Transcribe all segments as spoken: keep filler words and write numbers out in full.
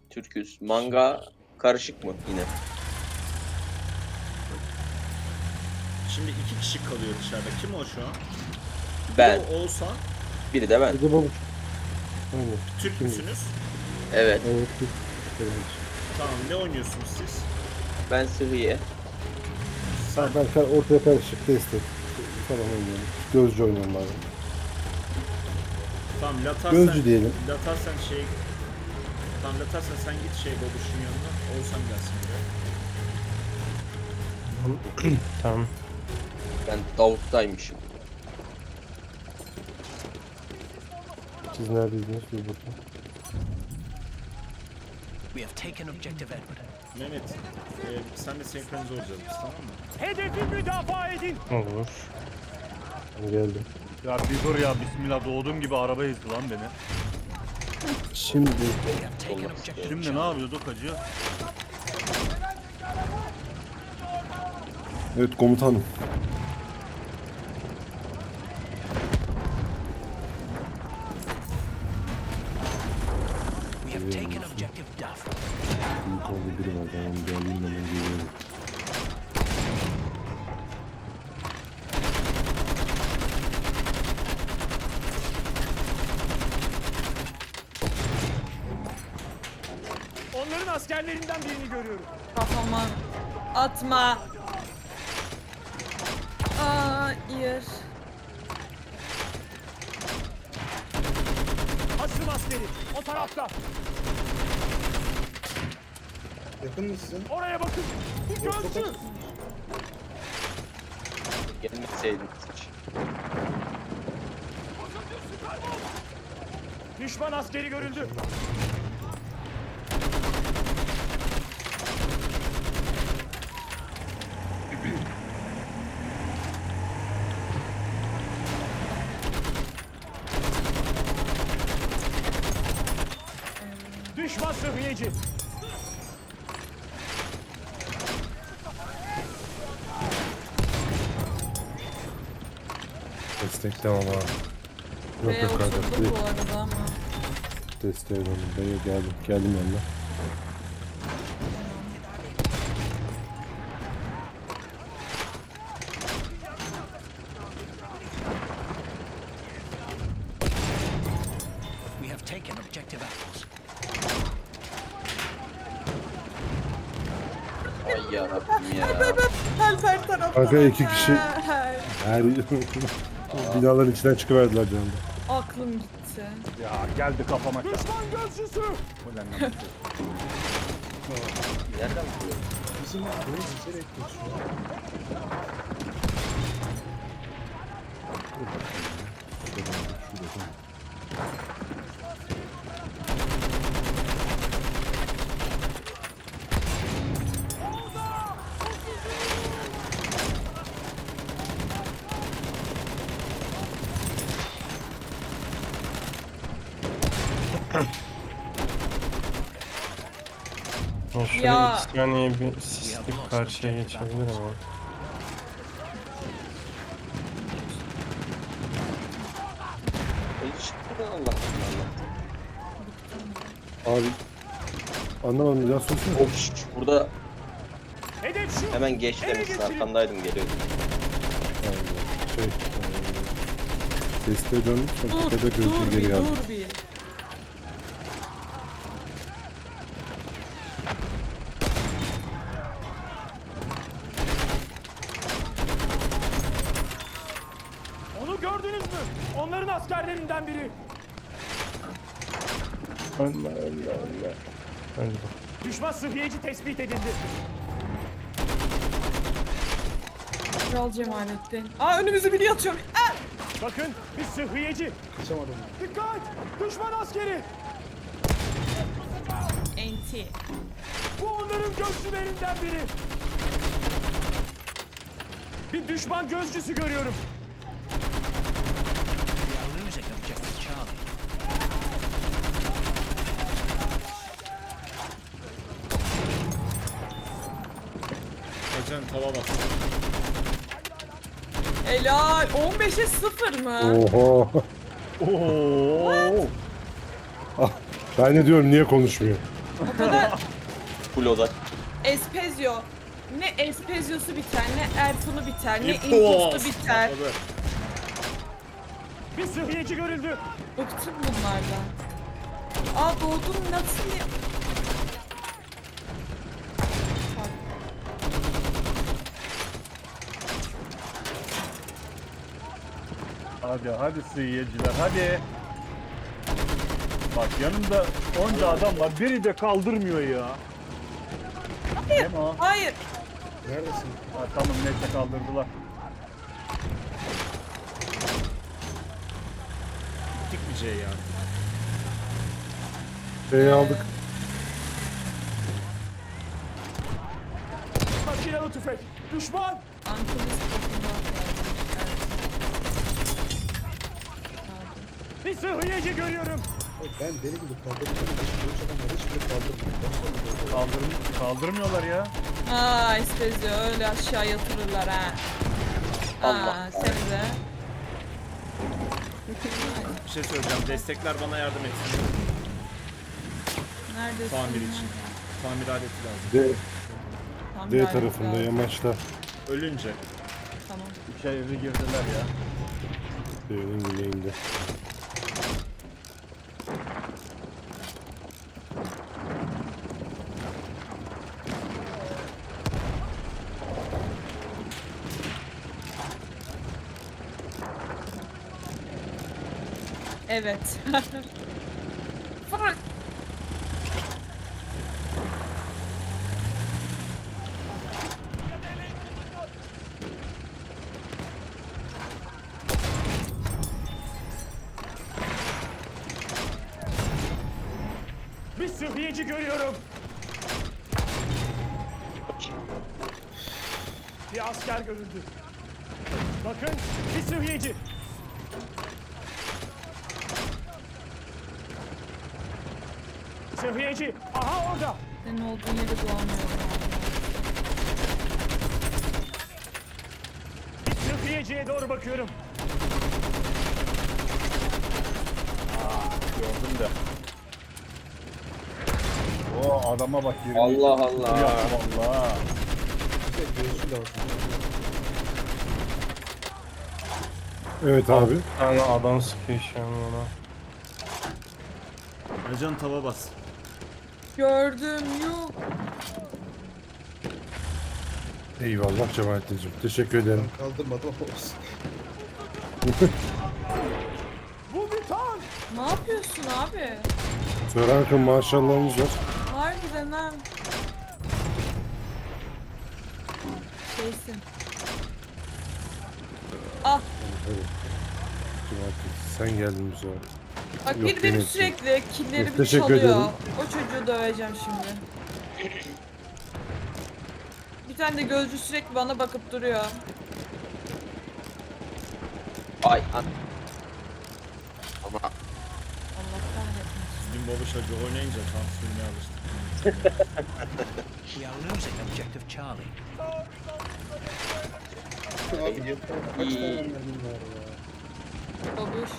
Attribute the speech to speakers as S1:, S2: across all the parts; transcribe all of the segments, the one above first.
S1: Türküz. Manga karışık mı yine?
S2: Şimdi iki kişi kalıyor dışarıda. Kim o şu an?
S1: Ben.
S2: O Oğuzhan.
S1: Biri de ben.
S3: Bir de babuç. Aynen.
S2: Türk
S3: Kim?
S2: müsünüz?
S1: Evet.
S3: Evet. bir- Evet.
S2: Tamam, ne oynuyorsunuz siz?
S1: Ben Sıhhiye.
S3: Ha, ben kar- ortaya karışık destek falan oynuyorum. Gözcü oynuyorum abi.
S2: Tamam, Latar
S3: Gözcü
S2: sen,
S3: diyelim.
S2: Latar sen şey... Tamam, Latar sen, sen git şey babuşun yanına. Oğuzhan gelsin buraya.
S4: Tamam.
S1: Ben Davut'taymışım.
S3: Siz neredeydiniz? Bir bakın.
S5: We have taken objective Edward.
S2: Mehmet, e, sen de senkronize olacağız biz, tamam mı?
S6: Hedefi müdafaa edin.
S4: Olur.
S3: Ben geldim.
S6: Ya bir dur ya, bismillah, doğduğum gibi araba ezdi lan beni.
S3: Şimdi
S5: We have taken
S1: Olmaz.
S5: objective
S6: Şimdi ne
S5: Charlie.
S6: yapıyorduk hacı?
S3: evet komutanım.
S5: We have taken objective Duff.
S3: Büyük orada biri var. Ben onu geldiğim zaman geliyorum.
S6: Onların askerlerinden birini görüyorum.
S7: Kafama atma. Hayır.
S6: Hasım askeri o tarafta.
S8: Yakın mısın?
S6: Oraya bakın. Bir gözcü.
S1: Gelmeseydin hiç.
S6: Düşman askeri görüldü. Düşman sıhhiyeci.
S3: Destek devam abi. Yok
S7: Ve
S3: yok kanka.
S7: oturdum bu arada ama.
S3: Desteğe döndüm. Ben geldim. Geldim yanına.
S5: We have taken objective apples.
S1: Ay yarabbim ya.
S7: Help her taraftan.
S3: Kanka iki kişi-
S7: Help.
S3: Her binaların içinden çıkıverdiler canım.
S7: Aklım gitti.
S6: Ya geldi kafama. Düşman gözcüsü.
S1: Nereden buluyor?
S8: Bizim burayı üzerek geçiyor.
S4: Ya şöyle
S7: Ya.
S4: iki saniye bir sislik karşıya geçebilir ama.
S1: Hiç Allah Allah.
S3: Abi anlamadım bir daha sorsana.
S1: Of şş, burada
S6: Hedef şu.
S1: hemen geç demişsin. Arkandaydım geliyordum.
S3: Yani şey, eee, desteğe döndüm sonra
S7: Dur,
S3: tepede
S7: dur
S3: gözcü
S7: bir,
S3: geri geldim.
S7: dur bir.
S6: Onu gördünüz mü? Onların askerlerinden biri.
S4: Ölme ölme ölme. Öldü.
S6: Düşman sıhhiyeci tespit edildi.
S7: Kral Cemalettin. Aa önümüzü biri atıyor. Aa!
S6: Bakın, bir sıhhiyeci.
S8: Kaçamadım.
S6: Dikkat! Düşman askeri.
S7: Enti.
S6: Bu onların gözcülerinden biri. Bir düşman gözcüsü görüyorum.
S5: We are losing objective Charlie.
S2: Acan tava bas.
S7: Helal. on beşe sıfır mı?
S3: Oho.
S6: Oo.
S3: Ah, ben ne diyorum niye konuşmuyor?
S7: O kadar
S1: Full odak.
S7: Espezio. Ne Espezio'su biter, ne Erfun'u biter, ne
S2: İmpos.
S7: Impost'u biter.
S2: Patladı.
S6: Bir sıhhiyeci görüldü.
S7: Bıktım bunlardan. Aa doğdum nasıl ya? Bak,
S9: Hadi hadi sıyıcılar hadi. Bak yanımda onca adam var. Biri de kaldırmıyor ya. Değil mi o?
S7: hayır.
S8: Neredesin?
S9: Ha, tamam neyse kaldırdılar.
S2: Gittik mi C'ye ya?
S3: Şeyi aldık.
S6: Makinalı tüfek. Düşman.
S7: Antalya'sı bakımdan
S6: Bir sıhhiyeci görüyorum.
S8: Oğlum ben deli gibi kaldırıyorum. Hiç adamlar hiçbiri kaldırmıyor.
S9: Kaldırm kaldırmıyorlar ya.
S7: Aa Espezio öyle aşağı yatırırlar ha.
S1: Allah.
S7: Aa seni de.
S2: Bir şey söyleyeceğim. Destekler bana yardım etsin.
S7: Neredesin?
S2: Tamir için. Tamir aleti lazım.
S3: D,
S7: Tam
S3: D
S7: gayet
S3: tarafında
S7: lazım.
S3: yamaçta.
S2: Ölünce.
S7: Tamam.
S9: İçeri girdiler ya.
S3: D'nin güneyinde.
S7: Evet. Fırk.
S6: Bir sıhhiyeci görüyorum. Bir asker görüldü. Bakın bir sıhhiyeci. Sıhhiyeci. Aha orada.
S7: Senin olduğun yeri bulamıyorum.
S6: Bir sıhhiyeciye doğru bakıyorum.
S9: Gördüm de. O adama bak. yirmi
S1: Allah
S9: iki
S1: Allah.
S9: Ya, vallahi.
S8: Bir de gözü lazım.
S3: Evet abi.
S4: Bir tane adam sıkıyor şu an ona.
S2: Ercan tava bas.
S7: Gördüm yok.
S3: Eyvallah Cemalettin'cim. Teşekkür ederim.
S8: Ben kaldırmadım ama olsun.
S6: Bu bir tank.
S7: Ne yapıyorsun abi?
S3: Sörankın maşallahınız var.
S7: Harbiden ha. Şeysin. Ah
S3: Cemalettin sen geldin bize.
S7: bak
S3: Yok,
S7: biri benim
S3: benim
S7: sürekli killerimi
S3: Teşekkür
S7: çalıyor.
S3: ederim.
S7: O çocuğu döveceğim şimdi. Bir tane de gözcü sürekli bana bakıp duruyor.
S1: Ay an. Ama
S7: Allah kahretmesin.
S2: Dün baba çocuğu oynayınca tam sürmeye alıştım.
S5: We are losing objective Charlie.
S8: Abi yeter. Kaç tane mermim var ya.
S7: Babuş.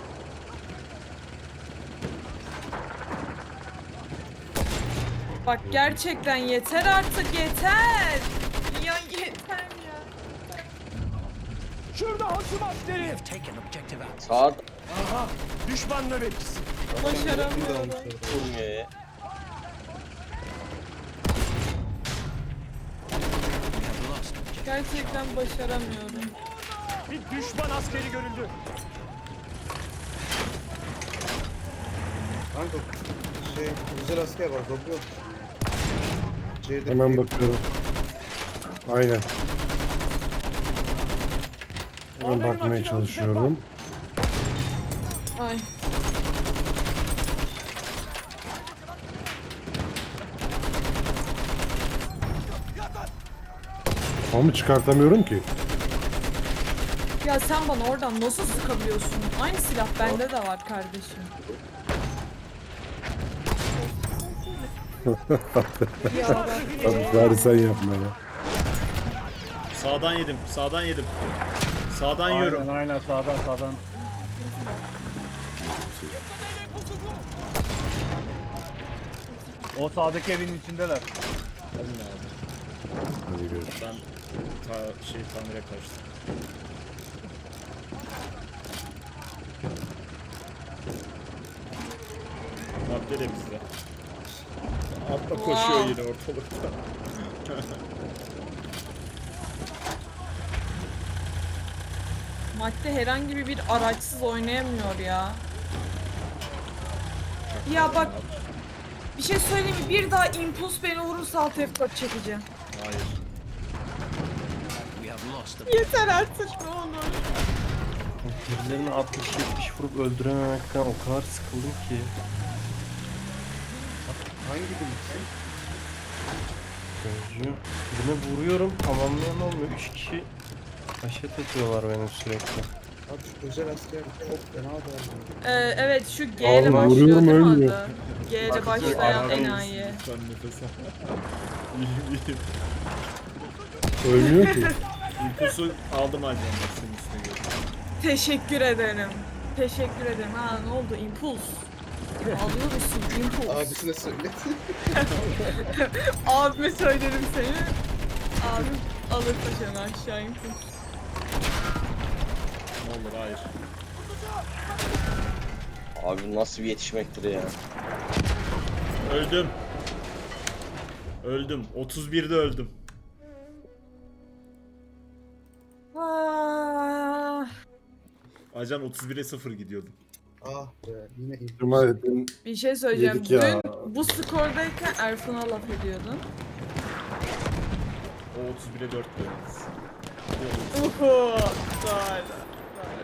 S7: Bak gerçekten yeter artık yeter. Ya yeter ya.
S6: Şurada hasım askeri.
S5: Have taken objective apples.
S1: sağ
S6: Aha. Düşman nöbetçisi.
S7: Başaramıyorum.
S1: durmuyor ya.
S5: We have lost objective.
S7: Gerçekten başaramıyorum.
S6: Bir düşman askeri görüldü.
S8: Kanka şey güzel asker var. Dokuyor. C'de
S3: Hemen bakıyorum. Aynen. Hemen bakmaya çalışıyorum.
S7: Ay.
S3: Ama çıkartamıyorum ki.
S7: Ya sen bana oradan nasıl sıkabiliyorsun? Aynı silah bende de var kardeşim. Ya bak.
S3: Abi bari sen yapma ya.
S2: Sağdan yedim. Sağdan yedim. Sağdan yiyorum.
S9: Aynen aynen sağdan sağdan. O sağdaki evin içindeler.
S2: Alın abi.
S3: Hadi görüşürüz.
S2: Ben ta şey tamire kaçtım. Madde de bizde. Atla koşuyor
S7: Wow.
S2: yine ortalıkta.
S7: Madde herhangi bir araçsız oynayamıyor ya. Ya bak bir şey söyleyeyim mi? Bir daha impuls beni vurursa alt F dört çekeceğim.
S2: Hayır.
S5: We have lost the
S7: Yeter artık ne olur.
S4: Birilerini altmış yetmiş vurup öldürememekten o kadar sıkıldım ki.
S8: Hangi bilinçsin?
S4: Gözcü. Birine vuruyorum tamamlayan olmuyor. Üç kişi haşet ediyorlar beni sürekli.
S8: Abi şu özel asker çok fena da
S7: Ee, evet şu G ile
S3: Oğlum,
S7: başlıyor
S3: vuruyorum,
S7: değil mi
S3: ölmüyor.
S7: adı? G ile
S4: Bak,
S7: başlayan
S4: arkadayız.
S7: enayi.
S2: Sen nefes al. İyiyim iyiyim.
S3: Ölmüyor ki.
S2: İlkosu aldım ancak bak senin üstüne göre.
S7: Teşekkür ederim. Teşekkür ederim. Ha ne oldu? Impuls. Alıyor musun? Impuls.
S8: abisine söyle.
S7: Abime söylerim seni. Abim alır taşını aşağı impuls.
S2: Ne olur hayır.
S1: Abi nasıl bir yetişmektir ya.
S2: Öldüm. Öldüm. otuz birde öldüm.
S7: Ah,
S2: Acan otuz bire sıfır gidiyordum.
S8: Ah be yine iyi.
S3: Cuma edin.
S7: bir şey söyleyeceğim.
S3: Yedik ya.
S7: Dün bu skordayken Erfun'a laf ediyordun.
S2: O otuz bire dört dönüyoruz.
S7: Uhu. Doğru.